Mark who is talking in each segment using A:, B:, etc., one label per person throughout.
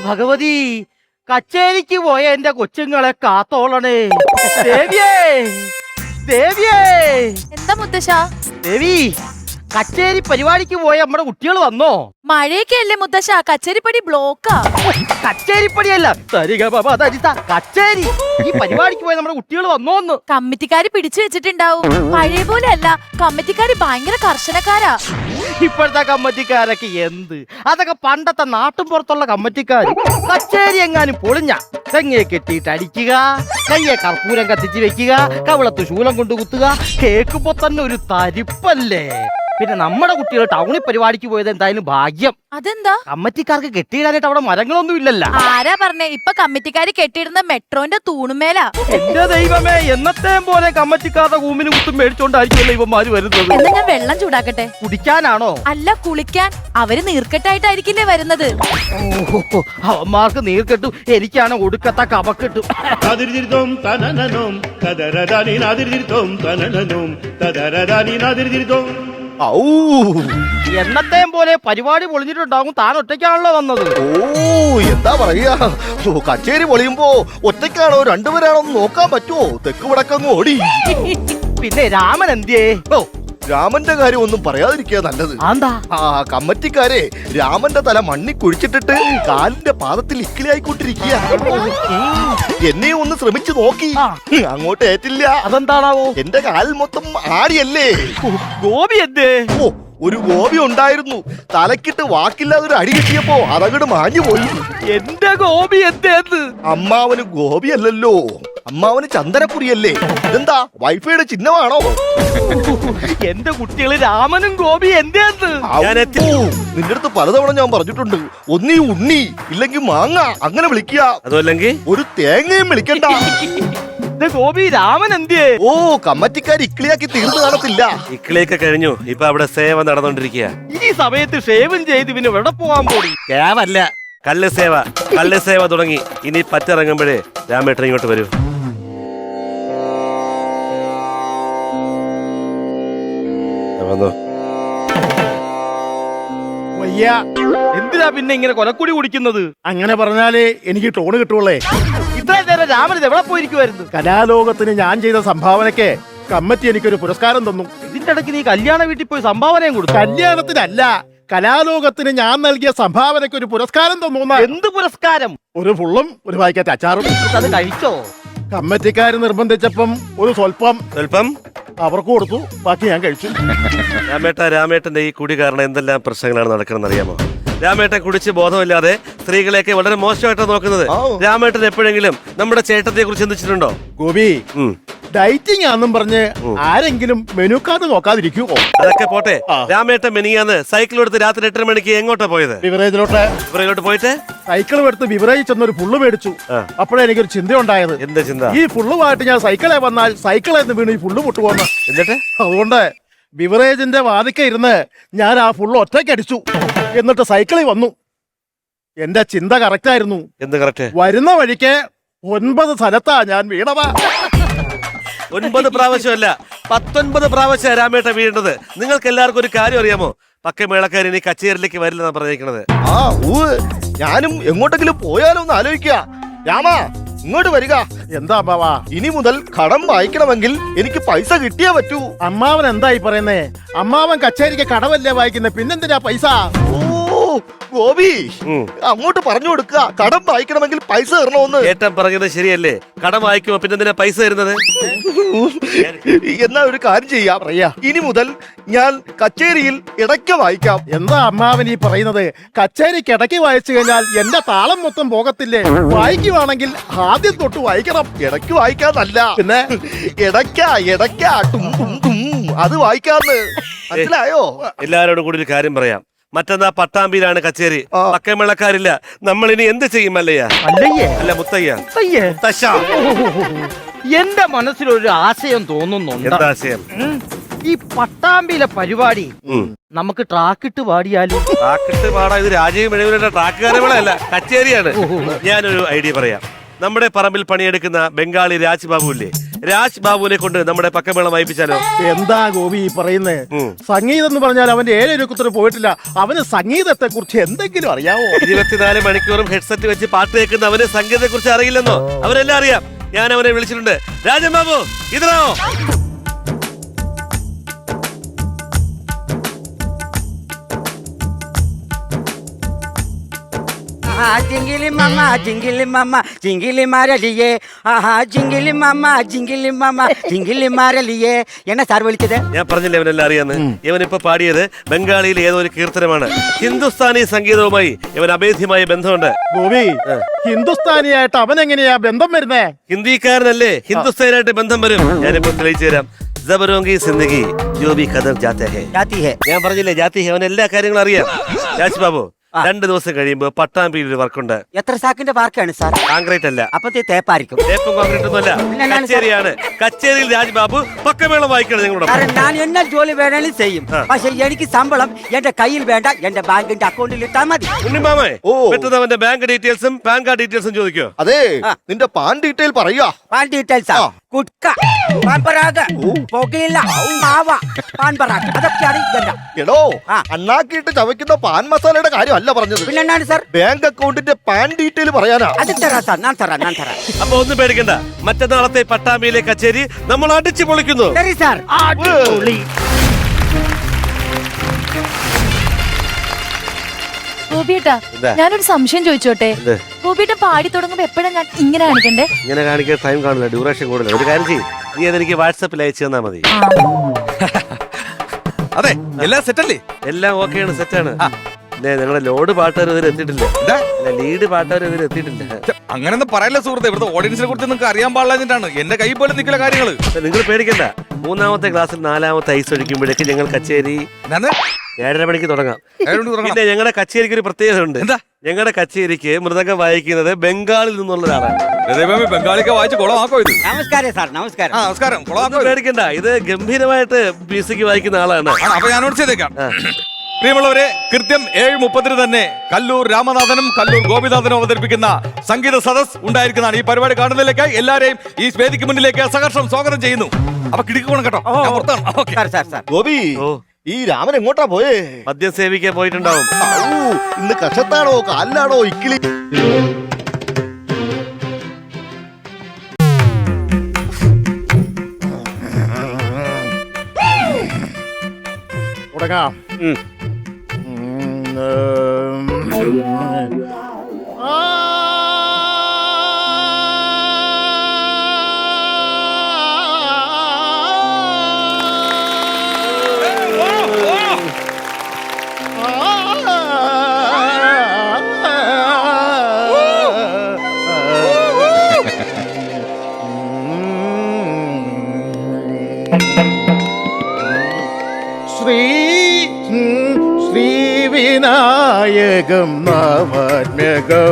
A: ഭഗവതി, കച്ചേരിക്ക് പോയ എന്റെ കൊച്ചുങ്ങളെ കാത്തോളണേ. ദേവിയേ, ദേവിയേ.
B: എന്താ മുത്തശ്ശ?
A: ദേവി, കച്ചേരി പരിപാടിക്ക് പോയ നമ്മുടെ കുട്ടികൾ വന്നോ?
B: മഴയൊക്കെ അല്ലേ മുത്തശ്ശ, കച്ചേരിപ്പടി ബ്ലോക്കാ.
A: കച്ചേരിപ്പടിയല്ല, കച്ചേരി. ഈ പരിപാടിക്ക് പോയ നമ്മുടെ കുട്ടികൾ വന്നോന്ന്.
B: കമ്മിറ്റിക്കാര് പിടിച്ചു വെച്ചിട്ടുണ്ടാവും. പഴയ പോലെ അല്ല, കമ്മിറ്റിക്കാര് ഭയങ്കര കർശനക്കാരാ.
A: ഇപ്പോഴത്തെ കമ്മിറ്റിക്കാരൊക്കെ എന്ത്, അതൊക്കെ പണ്ടത്തെ നാട്ടും പുറത്തുള്ള കമ്മിറ്റിക്കാര്. കച്ചേരി എങ്ങാനും പൊളിഞ്ഞ തെങ്ങയെ കെട്ടിയിട്ട് അടിക്കുക, കയ്യെ കർപ്പൂരം കത്തിച്ച് വെക്കുക, കവിളത്ത് ശൂലം കൊണ്ട് കുത്തുക, കേൾക്കുമ്പോ തന്നെ ഒരു തരിപ്പല്ലേ. പിന്നെ നമ്മുടെ കുട്ടികൾ ടൗണിൽ പരിപാടിക്ക് പോയത് എന്തായാലും ഭാഗ്യം.
B: അതെന്താ?
A: കമ്മിറ്റിക്കാർക്ക് കെട്ടിയിടാനായിട്ട് അവിടെ മരങ്ങളൊന്നും ഇല്ലല്ലോ.
B: ആരാ പറഞ്ഞേ? ഇപ്പൊ കമ്മിറ്റിക്കാര് കെട്ടിയിടുന്ന മെട്രോന്റെ തൂണുമേലാ.
A: എന്റെ ദൈവമേ, എന്നത്തെയും പോലെ കമ്മിറ്റിക്കാരുടെ കൂമിന് കുത്തും മേടിച്ചോണ്ടായിരിക്കുമല്ലോ ഇവന്മാര് വരുന്നത്.
B: എന്നാ ഞാൻ വെള്ളം ചൂടാക്കട്ടെ?
A: കുടിക്കാനാണോ?
B: അല്ല, കുളിക്കാൻ. അവര് നീർക്കെട്ടായിട്ടായിരിക്കില്ലേ വരുന്നത്.
A: ഓഹോ, അവന്മാർക്ക് നീർക്കെട്ടും, എനിക്കാണ് ഒടുക്കത്ത കപക്കെട്ടും. എന്നത്തെയും പോലെ പരിപാടി പൊളിഞ്ഞിട്ടുണ്ടാകും. താൻ ഒറ്റയ്ക്കാണല്ലോ വന്നത്.
C: ഓ, എന്താ പറയാ, കച്ചേരി പൊളിയുമ്പോ ഒറ്റയ്ക്കാണോ രണ്ടുപേരാണോ നോക്കാൻ പറ്റുമോ? തെക്ക് വടക്കങ്ങ് ഓടി.
A: പിന്നെ രാമൻ എന്തിയേ?
C: ഓ, രാമന്റെ കാര്യം ഒന്നും പറയാതിരിക്കുക നല്ലത്.
A: എന്താ?
C: ആ കമ്മിറ്റിക്കാരെ രാമന്റെ തല മണ്ണി കുഴിച്ചിട്ടിട്ട് കാലിന്റെ പാദത്തിൽ ഇക്കിളിയായിക്കൊണ്ടിരിക്കുക. എന്നെ ഒന്ന് ശ്രമിച്ചു നോക്കി, അങ്ങോട്ട് ഏറ്റില്ല.
A: അതെന്താണാവോ?
C: എന്റെ കാലിൽ മൊത്തം ആടിയല്ലേ.
A: ഗോപി എന്തേ?
C: ഓ, ഒരു ഗോപി ഉണ്ടായിരുന്നു. തലക്കിട്ട് വാക്കില്ലാതെ ഒരു അടി കിട്ടിയപ്പോ അതങ്ങട് മാഞ്ഞു പോയി.
A: എന്റെ ഗോപി എന്തേന്ന്?
C: അമ്മാവന് ഗോപിയല്ലല്ലോ, അമ്മാവന് ചന്ദനക്കുറിയല്ലേ. ഇതെന്താ വൈഫൈയുടെ ചിഹ്നമാണോ?
A: എന്റെ കുട്ടികള് രാമനും ഗോപി എന്തേന്ന്?
C: നിന്റെ അടുത്ത് പലതവണ ഞാൻ പറഞ്ഞിട്ടുണ്ട്, ഒന്നീ ഉണ്ണി ഇല്ലെങ്കിൽ മാങ്ങ അങ്ങനെ വിളിക്കുക,
D: അതല്ലെങ്കിൽ
C: ഒരു തേങ്ങയും വിളിക്കണ്ട.
A: ഗോപി, രാമൻ എന്തേ?
C: ഓ, കമ്മിറ്റിക്കാർ ഇക്കിളിയാക്കി തീർന്നു കാണത്തില്ല.
D: ഇക്കിളിയൊക്കെ കഴിഞ്ഞു. ഇപ്പൊ അവിടെ സേവ നടന്നുകൊണ്ടിരിക്കുക.
A: ഈ സമയത്ത് ഷേവും ചെയ്ത് പിന്നെ എവിടെ പോകാൻ പോയി?
D: കേവല്ല, കല്ല് സേവ. കല്ല് സേവ തുടങ്ങി. ഇനി പറ്റിറങ്ങുമ്പോഴേ രാമേട്ടൻ ഇങ്ങോട്ട് വരൂ. വന്നോ.
A: എന്തിനാ പിന്നെ ഇങ്ങനെ കൊലക്കുടി കുടിക്കുന്നത്?
E: അങ്ങനെ പറഞ്ഞാലേ എനിക്ക് ടോണ് കിട്ടുള്ളേ.
A: ഇത്രയും നേരം രാമൻ ഇത് എവിടെ പോയിരിക്കുവായിരുന്നു?
E: കലാലോകത്തിന് ഞാൻ ചെയ്ത സംഭാവനയ്ക്ക് കമ്മിറ്റി എനിക്കൊരു പുരസ്കാരം തന്നു.
A: ഇതിന്റെ ഇടയ്ക്ക് നീ കല്യാണ വീട്ടിൽ പോയി സംഭാവനയും കൊടുത്തു?
E: കല്യാണത്തിനല്ല, കലാലോകത്തിന് ഞാൻ നൽകിയ സംഭാവനയ്ക്ക് ഒരു പുരസ്കാരം തന്നു.
A: എന്ത് പുരസ്കാരം?
E: ഒരു ഫുള്ളും ഒരു പാക്കറ്റ് അച്ചാറും.
A: അത് കഴിച്ചോ?
E: കമ്മിറ്റിക്കാര് നിർബന്ധിച്ചപ്പം ഒരു സ്വല്പം അവർക്ക് കൊടുത്തു, ബാക്കി ഞാൻ കഴിച്ചു.
D: രാമേട്ടന്റെ ഈ കുടി കാരണം എന്തെല്ലാം പ്രശ്നങ്ങളാണ് നടക്കണമെന്ന് അറിയാമോ? രാമേട്ടൻ കുടിച്ച് ബോധമില്ലാതെ സ്ത്രീകളെയൊക്കെ വളരെ മോശമായിട്ടാണ് നോക്കുന്നത്. രാമേട്ടൻ എപ്പോഴെങ്കിലും നമ്മുടെ ചേട്ടത്തെ കുറിച്ച് ചിന്തിച്ചിട്ടുണ്ടോ?
E: ഗോപി, ഡയറ്റിംഗ് ആണെന്നും പറഞ്ഞ് ആരെങ്കിലും മെനു കാർഡ് നോക്കാതിരിക്കുമോ?
D: അതൊക്കെ പോട്ടെ. രാമേട്ടൻ മെനിയാന്ന് സൈക്കിൾ എടുത്ത് രാത്രി 8 മണിക്ക് എങ്ങോട്ടാ പോയത്?
E: ബിവറേജിലോട്ട്
D: പോയിട്ട്
E: സൈക്കിൾ എടുത്ത് ബിവറേജ് ചെന്നൊരു ഫുള്ള് മേടിച്ചു. അപ്പോഴേ എനിക്കൊരു ചിന്ത ഉണ്ടായത്.
D: എന്താ ചിന്ത?
E: ഈ ഫുള്ളുമായിട്ട് ഞാൻ സൈക്കിളെ വന്നാൽ സൈക്കിളെന്ന് വീണ് ഈ ഫുള്ള് പൊട്ടുപോകുന്ന.
D: എന്നിട്ട്
E: അതുകൊണ്ട് ബിവറേജിന്റെ വാതിക്ക ഇരുന്ന് ഞാൻ ആ ഫുള്ള് ഒറ്റയ്ക്ക് അടിച്ചു. എന്നിട്ട് സൈക്കിളിൽ വന്നു. എന്റെ ചിന്ത കറക്റ്റ് ആയിരുന്നു.
D: എന്ത് കറക്റ്റ്?
E: വരുന്ന വഴിക്ക് 9 സ്ഥലത്താ ഞാൻ വീണതാ.
D: 9 പ്രാവശ്യമല്ല, 19 പ്രാവശ്യം രാമേട്ട വീഴേണ്ടത്. നിങ്ങൾക്ക് എല്ലാവർക്കും ഒരു കാര്യം അറിയാമോ? പക്കമേളക്കാർ ഇനി കച്ചേരിയിലേക്ക് വരില്ലെന്നാണ് പറഞ്ഞിരിക്കുന്നത്.
C: ഞാനും എങ്ങോട്ടെങ്കിലും പോയാലോ എന്ന് ആലോചിക്കുക. രാമ, ഇങ്ങോട്ട് വരിക.
E: എന്താ അമ്മാവാ?
C: ഇനി മുതൽ കടം വായിക്കണമെങ്കിൽ എനിക്ക് പൈസ കിട്ടിയേ പറ്റൂ.
E: അമ്മാവൻ എന്തായി പറയുന്നേ? അമ്മാവൻ കച്ചേരിക്ക് കടവല്ലേ വായിക്കുന്നേ, പിന്നെന്തിനാ പൈസ?
C: ഗോപി, അങ്ങോട്ട് പറഞ്ഞു കൊടുക്കുക, കടം വായിക്കണമെങ്കിൽ പൈസ തരണമെന്ന്.
D: ഏട്ടൻ പറഞ്ഞത് ശരിയല്ലേ? കടം വായിക്കുമ്പോ പിന്നെന്തിനാ പൈസ തരുന്നത്?
C: എന്നാ ഒരു കാര്യം ചെയ്യാം, ഇനി മുതൽ ഞാൻ കച്ചേരിയിൽ ഇടയ്ക്ക് വായിക്കാം.
E: എന്താ അമ്മാവൻ ഈ പറയുന്നത്? കച്ചേരിക്ക് ഇടയ്ക്ക് വായിച്ചു കഴിഞ്ഞാൽ എന്റെ താളം മൊത്തം പോകത്തില്ലേ? വായിക്കുവാണെങ്കിൽ ആദ്യം തൊട്ട് വായിക്കണം.
C: ഇടയ്ക്ക് വായിക്കാന്നല്ല,
E: പിന്നെ
C: ഇടയ്ക്ക അത് വായിക്കാന്ന്. മനസ്സിലായോ?
D: എല്ലാരോടും കൂടി ഒരു കാര്യം പറയാം. മറ്റന്നാ പട്ടാമ്പിയിലാണ് കച്ചേരി. പക്കമേളക്കാരില്ല. നമ്മൾ ഇനി എന്ത് ചെയ്യും? അല്ല മുത്തയ്യ.
A: എന്റെ മനസ്സിലൊരു ആശയം തോന്നുന്നുണ്ട്.
D: എന്താ ആശയം?
A: ഈ പട്ടാമ്പിയിലെ പരിപാടി നമുക്ക് ട്രാക്കിട്ട് പാടിയാലും.
D: ട്രാക്കിട്ട് പാടാ? ഇത് രാജീവ് മെഴുകുന്ന ട്രാക്കുകാരല്ല, കച്ചേരിയാണ്. ഞാനൊരു ഐഡിയ പറയാം. നമ്മുടെ പറമ്പിൽ പണിയെടുക്കുന്ന ബംഗാളി രാജ്ബാബു ഇല്ലേ, രാജ് ബാബുവിനെ കൊണ്ട് നമ്മുടെ പക്കമേളം വായിപ്പിച്ചാലോ?
E: എന്താ ഗോപി ഈ പറയുന്നേ? സംഗീതം എന്ന് പറഞ്ഞാൽ അവന്റെ ഏഴൊരുക്കുത്തിന് പോയിട്ടില്ല. അവന് സംഗീതത്തെ കുറിച്ച് എന്തെങ്കിലും അറിയാവോ?
D: 24 മണിക്കൂറും ഹെഡ്സെറ്റ് വെച്ച് പാട്ട് കേൾക്കുന്ന അവന് സംഗീതത്തെ കുറിച്ച് അറിയില്ലെന്നോ? അവരെല്ലാം അറിയാം. ഞാൻ അവനെ വിളിച്ചിട്ടുണ്ട്. രാജൻ ബാബു ഇതിനാവോ?
F: ജിങ്കിലി മമ്മ ജിങ്കിലി മമ്മ ജിങ്കിലി മാരലിയേ ആഹാ ജിങ്കിലി മമ്മ ജിങ്കിലി മമ്മ ജിങ്കിലി മാരലിയേ എന്നെ സാർ വിളിച്ചത്?
D: ഞാൻ പറഞ്ഞില്ലേ അവനെല്ലാം അറിയാന്ന്. ഇവനിപ്പോ പാടിയത് ബംഗാളിയിലെ ഏതോ ഒരു കീർത്തനമാണ്. ഹിന്ദുസ്ഥാനി സംഗീതവുമായി ഇവൻ അഭേദ്യമായ ബന്ധമുണ്ട്.
E: ഗോപി, ഹിന്ദുസ്ഥാനിയായിട്ട് അവൻ എങ്ങനെയാ ബന്ധം വരുന്നേ?
D: ഹിന്ദിക്കാരനല്ലേ, ഹിന്ദുസ്ഥാനായിട്ട് ബന്ധം വരും. ഞാനിപ്പോ തെളിയിച്ചു തരാം. ജബരോങ്കി സിന്ദഗി ജോ ഭി ഖദർ ജാത്തെ ഹൈ. ഞാൻ പറഞ്ഞില്ലേ ജാതി ഹൈ. അവൻ എല്ലാ കാര്യങ്ങളും അറിയാം. രാജ് ബാബു 2 ദിവസം കഴിയുമ്പോ പട്ടാമ്പിയിൽ ഒരു വർക്കുണ്ട്.
F: എത്ര സാക്കിന്റെ പാർക്കാണ് സാർ?
D: കോൺക്രീറ്റ് അല്ല,
F: അപ്പത്തെ തേപ്പായിരിക്കും.
D: തേപ്പും കോൺക്രീറ്റ് ഒന്നും അല്ല, കച്ചേരിയാണ്. കച്ചേരിയിൽ രാജ് ബാബു പക്കമേളം വായിക്കണം നിങ്ങളോട്.
F: ഞാൻ എന്നാ ജോലി വേണേലും ചെയ്യും. പക്ഷെ എനിക്ക് ശമ്പളം എന്റെ കയ്യിൽ വേണ്ട, എന്റെ ബാങ്കിന്റെ അക്കൗണ്ടിൽ ഇട്ടാ മതി.
D: ഉണ്ണിമാമേ, പെട്ടെന്ന് അവന്റെ ബാങ്ക് ഡീറ്റെയിൽസും പാൻ കാർഡ് ഡീറ്റെയിൽസും ചോദിക്കോ?
C: അതെ, നിന്റെ പാൻ ഡീറ്റെയിൽ പറയാ.
F: പാൻ ഡീറ്റെയിൽസാ? കുട്ക, പാൻ പരാഗ്, പുകയില, മാവ, പാൻ പരാഗ്, അതൊക്കെയാണ് ഇതെല്ലാം.
C: എടോ, അണ്ണാക്കിയിട്ട് ചവയ്ക്കുന്ന പാൻ മസാലയുടെ കാര്യമല്ല പറഞ്ഞത്.
F: പിന്നെന്താണ് സാർ?
C: ബാങ്ക് അക്കൗണ്ടിന്റെ പാൻ ഡീറ്റെയിൽ പറയാനാ.
F: അത് തരാം സാർ, ഞാൻ തരാം.
D: അപ്പൊ ഒന്നും പേടിക്കണ്ട. മറ്റന്നാളത്തെ പട്ടാമ്പിയിലെ കച്ചേരി നമ്മൾ അടിച്ചു പൊളിക്കുന്നു.
F: ശരി സാർ.
B: ഗോപിയേട്ടാ, ഞാനൊരു സംശയം ചോദിച്ചോട്ടെ? ഗോപിയേട്ട പാടി തുടങ്ങുമ്പോ എപ്പോഴാ ഞാൻ ഇങ്ങനെ കാണിക്കണ്ടേ?
D: ഇങ്ങനെ കാണിക്കാൻ ടൈം കാണില്ല, ഡ്യൂറേഷൻ കൂടുതൽ. ഒരു കാര്യം ചെയ്യും, നീ അതെനിക്ക് വാട്സാപ്പിൽ അയച്ചു തന്നാ മതി.
G: അതെ, എല്ലാം സെറ്റല്ലേ?
D: എല്ലാം ഓക്കെയാണ്, സെറ്റാണ്. ഞങ്ങളുടെ ലോഡ് പാട്ടുകാർ ഇതിൽ എത്തിയിട്ടില്ല. ലീഡ് പാട്ടുകാർ ഇതിൽ എത്തിയിട്ടില്ല.
G: അങ്ങനെയൊന്നും പറയല്ല സുഹൃത്തെ. ഇവിടുത്തെ ഓഡിയൻസിനെ കുറിച്ച് നിങ്ങൾക്ക് അറിയാൻ പാടില്ലാഞ്ഞിട്ടാണ്. എന്റെ കൈ പോലെ നിൽക്കുന്ന കാര്യങ്ങള്.
D: നിങ്ങൾ പേടിക്കണ്ട. 3ാമത്തെ ക്ലാസ്സിൽ 4ാമത്തെ ഐസ് ഒഴിക്കുമ്പോഴേക്ക് ഞങ്ങൾ കച്ചേരി 7:30 മണിക്ക് തുടങ്ങാം. പിന്നെ ഞങ്ങളുടെ കച്ചേരിക്ക് ഒരു പ്രത്യേകത ഉണ്ട്.
G: എന്താ?
D: ഞങ്ങളുടെ കച്ചേരിക്ക് മൃദംഗം വായിക്കുന്നത് ബംഗാളിൽ നിന്നുള്ള ഒരാളാണ്.
G: ബംഗാളിക്ക് വായിച്ച് കുളമാക്കോ ഇത്?
F: നമസ്കാരം സാർ. നമസ്കാരം.
G: നമസ്കാരം.
D: പേടിക്കണ്ട, ഇത് ഗംഭീരമായിട്ട് മ്യൂസിക് വായിക്കുന്ന ആളാണ്.
G: അപ്പൊ ഞാൻ നോട്ട് ചെയ്തേക്കാം. പ്രിയമുള്ളവരെ, കൃത്യം 7:30 തന്നെ കല്ലൂർ രാമനാഥനും കല്ലൂർ ഗോപിനാഥനും അവതരിപ്പിക്കുന്ന സംഗീത സദസ് ഉണ്ടായിരിക്കുന്നതാണ്. ഈ പരിപാടി കാണുന്നതിലേക്കായി എല്ലാരെയും ഈ വേദിക്ക് മുന്നിലേക്ക് സഹർഷം സ്വാഗതം ചെയ്യുന്നു. അപ്പൊ കിടക്കണം കേട്ടോ.
C: ഗോപി, ഈ രാമൻ എങ്ങോട്ടാ പോയേ?
D: മദ്യം സേവിക്കാൻ പോയിട്ടുണ്ടാവും.
C: ഇന്ന് കഷത്താണോ കാലിലാണോ ഇക്കിളി?
E: തുടങ്ങാം. ശ്രീവിനായകം നവാത്മ്യകം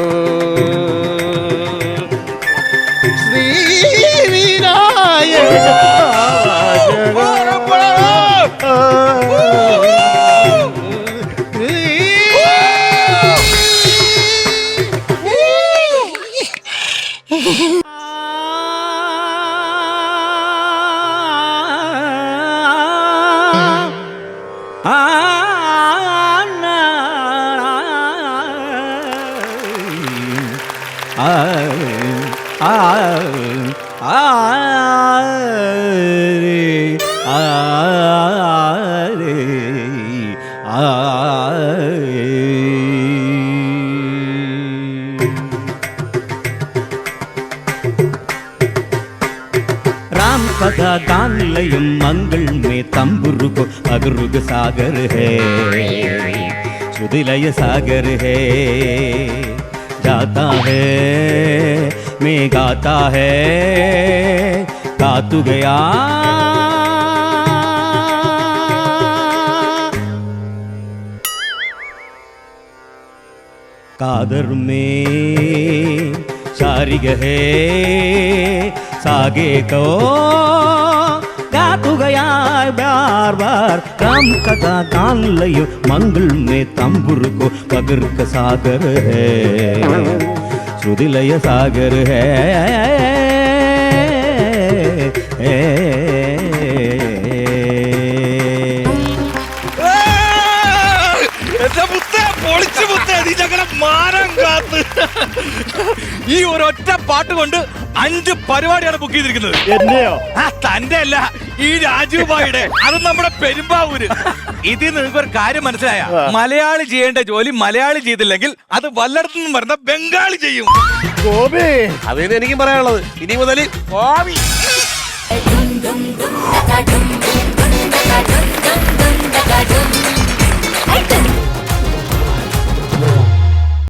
H: राम कथा गान लयम मंगल में तंबुरु को अगरुग सागर है, सुदिलय सागर है, जाता है मैं गाता है, गा तू गया कादर में शारिग है, सागे को गा तू गया बार बार। राम कथा गान लयो मंगल में तंबुर को पगर का सागर है, श्रुतिलय सागर है।
G: എന്റെ മുത്തേ, പൊളിച്ചു മുത്തേ, നീ ഞങ്ങളെ മാനം കാത്ത്. ഈ ഒരൊറ്റ പാട്ട് കൊണ്ട് 5 പരിപാടിയാണ് ബുക്ക് ചെയ്തിരിക്കുന്നത്.
E: എന്നെയോ?
G: തന്റെ അല്ല, ഈ രാജീവ് ഭായിയുടെ. അത് നമ്മുടെ പെരുമ്പാവൂര്. ഇതിൽ നിങ്ങൾക്ക് ഒരു കാര്യം മനസ്സിലായ, മലയാളി ചെയ്യേണ്ട ജോലി മലയാളി ചെയ്തില്ലെങ്കിൽ അത് വല്ലയിടത്തു നിന്നും വരുന്ന ബംഗാളി ചെയ്യും.
E: ഗോപി,
D: അതിന് എനിക്കും പറയാനുള്ളത്, ഇനി മുതൽ
B: Hey,